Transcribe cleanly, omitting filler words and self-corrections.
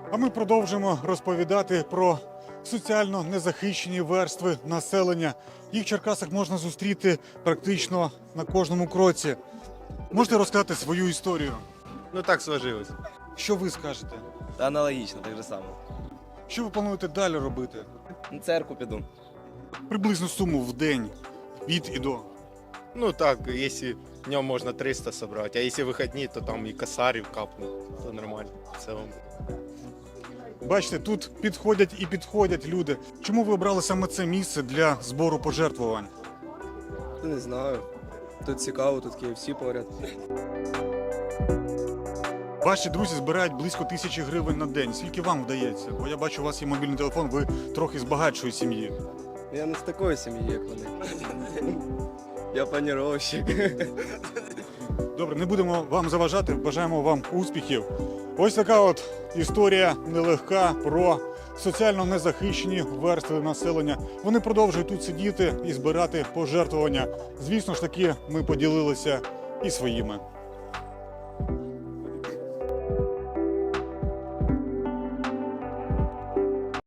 А ми продовжимо розповідати про соціально незахищені верстви населення. Їх в Черкасах можна зустріти практично на кожному кроці. Можете розказати свою історію? Ну так сложилось. Що ви скажете? Та аналогічно, так же само. Що ви плануєте далі робити? На церкву піду. Приблизну суму в день від і до. Ну так, если днем можно 300 собрать, а если выходные, то там и косарь капнуть, то нормально в целом. Бачите, тут підходять і підходять люди. Чому ви обрали саме це місце для збору пожертвувань? Не знаю. Тут цікаво, тут KFC поряд. Ваші друзі збирають близько 1000 гривень на день. Скільки вам вдається? Бо я бачу, у вас є мобільний телефон, ви трохи з багатшої сім'ї. Я не з такої сім'ї, як вони. Я планировщик. Добре, не будемо вам заважати, бажаємо вам успіхів. Ось така от історія нелегка про соціально незахищені верстви населення. Вони продовжують тут сидіти і збирати пожертвування. Звісно ж таки, ми поділилися і своїми.